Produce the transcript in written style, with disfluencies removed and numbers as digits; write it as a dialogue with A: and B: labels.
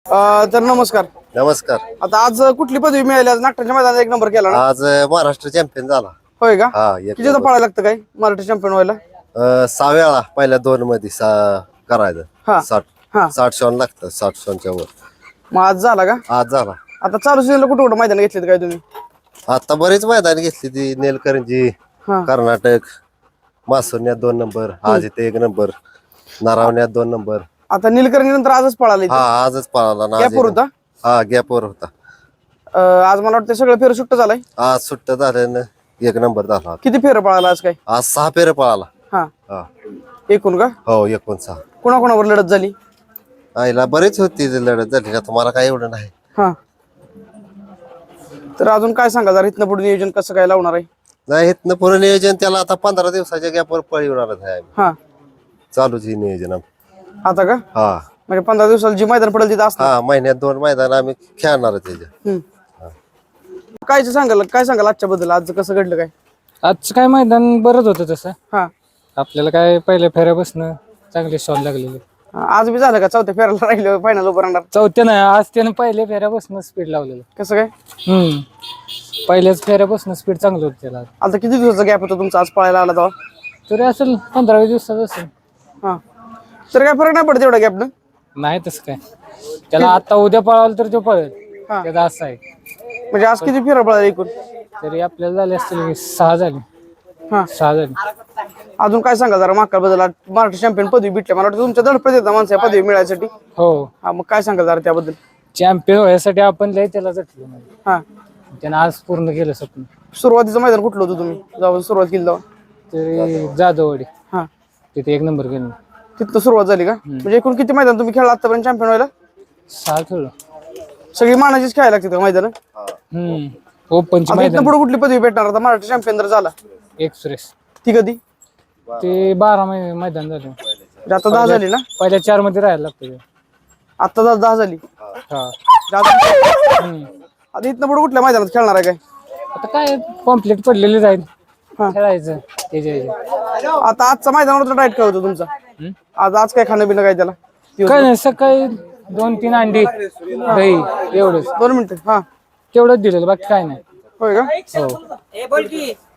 A: तर नमस्कार.
B: नमस्कार.
A: आता आज कुठली पदवी मिळाली? आज नागठाच्या मैदानात एक नंबर केला ना?
B: आज महाराष्ट्र चॅम्पियन झाला.
A: होय का?
B: हा, एक
A: कितीदा
B: नंबर.
A: पळायला लागतं काय मराठी चॅम्पियन व्हायला?
B: 6 वेळा पहिल्या 2 मध्ये करायचं.
A: हा.
B: 60
A: हा.
B: 60 शॉन लागतं, 60 शॉनच्या वर.
A: मग आज झाला का?
B: आज झाला.
A: आता चालू सीझनला कुठं कुठं मैदान घेतलेत काय तुम्ही?
B: आता बरेच मैदान घेतली ती नेलकरंजी,
A: हा.
B: कर्नाटक, मासुरण्यात 2 नंबर, आज इथे 1 नंबर, नारावण्यात 2 नंबर.
A: आता नीलकर्णी नंतर आजच पळाले.
B: हा, आजच पळाला ना.
A: गॅपवर होता?
B: हा, गॅपवर होता.
A: आज मला वाटतं सगळं फेर सुट्ट झालाय.
B: आज सुट्ट झाल्यानं 1 नंबर झाला.
A: किती फेर पळाला आज काय?
B: आज 6 फेर पळाला.
A: हा,
B: हा,
A: एकूण का?
B: हो, 6.
A: कोणाकोणावर लढत झाली?
B: आईला बरीच होती लढत झाली का, तुम्हाला काय एवढं नाही.
A: हा, तर अजून काय सांगा जरा इथनं पुढे नियोजन कसं काय लावणार आहे?
B: नाही, इथनं पुढे नियोजन त्याला आता 15 दिवसाच्या गॅपवर पळवणारच आहे आम्ही.
A: हा,
B: चालूच ही नियोजन आमचं.
A: आता का?
B: हा,
A: म्हणजे 15 दिवसाला जी मैदान पडेल तिथं असणार.
B: हा, महिन्यात 2 मैदान आम्ही खेळणारच त्याच्या.
A: काय सांगाल आजच्या बद्दल? आज कसं घडलं काय?
C: आजचं काय मैदान बरंच होतं तसं.
A: हा,
C: आपल्याला काय पहिल्या फेऱ्यापासून चांगले शॉट लागलेले.
A: आज बी झालं का? चौथ्या फेरायला राहिलं फायनल उभं राहणार
C: चौथ्या नाही, आज त्यानं पहिल्या फेऱ्यापासून स्पीड लावलेलं.
A: कसं काय?
C: पहिल्याच फेऱ्यापासून स्पीड चांगलं होतं त्याला.
A: आता किती दिवसाचा गॅप होता तुमचा आज पळायला आला तेव्हा?
C: तरी असेल 15-20 दिवसाचं असेल.
A: हा, तर काय फरक नाही पडत एवढा गॅपनं?
C: नाही तसं काय, त्याला आता उद्या पळावलं तर तो पळेल.
A: हा.
C: त्याचा असं आहे.
A: म्हणजे आज किती फेरा पळाला एकूण?
C: तरी आपल्याला झाले असतील 6 झाले.
A: हा,
C: 6 झाले.
A: अजून काय सांगा जरा माका बद्दल? मराठी चॅम्पियन पदवी भेटली, मला वाटतं तुमच्या धडपड येतात माणसं या पदवी मिळायसाठी.
C: हो,
A: हा, मग काय सांगा जरा त्याबद्दल?
C: चॅम्पियन व्हायसाठी आपण लय त्याला झटलो.
A: हा,
C: त्यानं आज पूर्ण केलं स्वप्न.
A: सुरुवातीचं मैदान कुठलं होतं तुम्ही जेव्हा सुरुवात केली तेव्हा?
C: तरी जाधववाडी
A: हा,
C: तिथे 1 नंबर केलं.
A: तिथं सुरुवात झाली का? म्हणजे एकूण किती मैदान तुम्ही खेळला आतापर्यंत चॅम्पियन व्हायला?
C: 6 खेळलो.
A: सगळी मानाचीच खेळायला लागते का मैदान?
C: ओपनची
A: आता इथनं
C: मैदान
A: पुढे कुठली पदवी भेटणार? आता मराठी चॅम्पियन जर झाला
C: एक्सप्रेस
A: ती कधी?
C: ते 12 मैदान झाले.
A: म्हणजे आता 10 झाली ना?
C: पहिल्या 4 मध्ये राहायला लागतं.
A: आता 10 झाली.
C: हा.
A: आता इथनं पुढे कुठल्या मैदानात खेळणार आहे काय?
C: आता काय कॉम्प्लीट पडलेले जाईल, खेळायचं त्याच्या.
A: आता आजचा मैदानावर डाएट काय होतं तुमचा? आज काय खाणं पिणं काय त्याला?
C: काय नाही, सकाळी 2-3 अंडी दही एवढंच.
A: 2 मिनिटं. हा,
C: तेवढंच दिलेलं, बाकी काय नाही.
A: होय का?
C: हो.